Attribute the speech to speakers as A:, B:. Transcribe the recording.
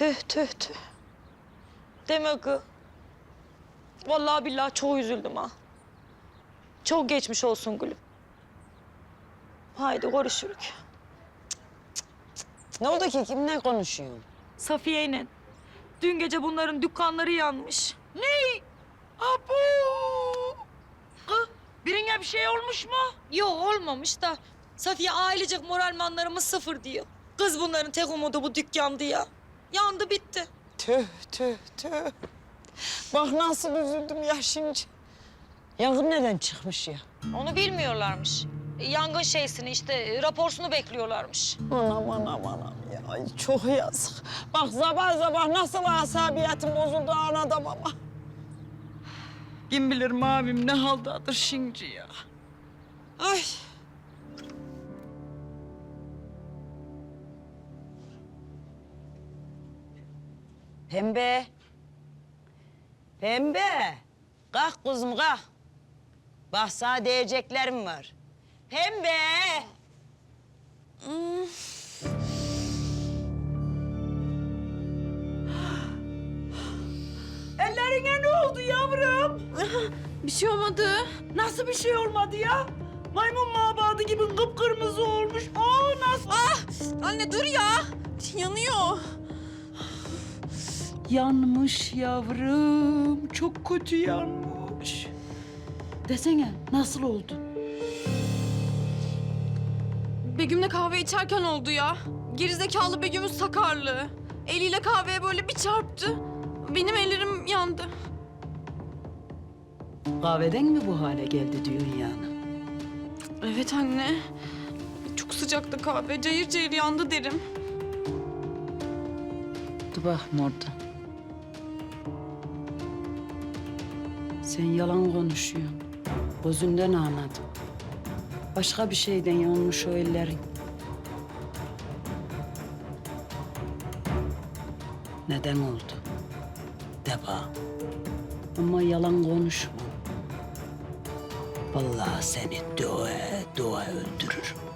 A: Tüh tüh tüh. Demek ki. Vallahi billahi çok üzüldüm ha. Çok geçmiş olsun gülüm. Haydi görüşürük.
B: Ne oldu ki? Kimle konuşuyorsun?
A: Safiye'yle. Dün gece bunların dükkanları yanmış.
C: Ne? Abu! Kız, birine bir şey olmuş mu?
A: Yok olmamış da Safiye ailecek moralmanlarımız sıfır diyor. Kız bunların tek umudu bu dükkandı ya. Yandı bitti.
B: Tüh tüh tüh. Bak nasıl üzüldüm ya şimdi. Yangın neden çıkmış ya?
A: Onu bilmiyorlarmış. Yangın şeysini işte raporsunu bekliyorlarmış.
B: Anam anam anam ya. Ay, çok yazık. Bak sabah sabah nasıl asabiyetim bozuldu anada baba.
C: Kim bilir mavim ne haldadır şimdi ya.
B: Ay. Pembe. Pembe. Kalk kuzum kalk. Bak sana diyeceklerim var. Pembe.
C: Ellerine ne oldu yavrum?
D: Bir şey olmadı.
C: Nasıl bir şey olmadı ya? Maymun mabadı gibi kıpkırmızı olmuş. Aa nasıl?
D: Anne dur ya. Yanıyor.
C: Yanmış yavrum. Çok kötü yanmış. Desene nasıl oldu?
D: Begüm'le kahve içerken oldu ya. Gerizekalı Begüm'ün sakarlığı. Eliyle kahveye böyle bir çarptı. Benim ellerim yandı.
C: Kahveden mi bu hale geldi diyorsun yani?
D: Evet anne. Çok sıcaktı kahve. Cayır cayır yandı derim.
C: Dur bakayım orada. Sen yalan konuşuyorsun. Gözünden anladım. Başka bir şeyden yanmış o ellerin. Neden oldu? De bana. Ama yalan konuşma. Vallahi seni dua dua öldürürüm.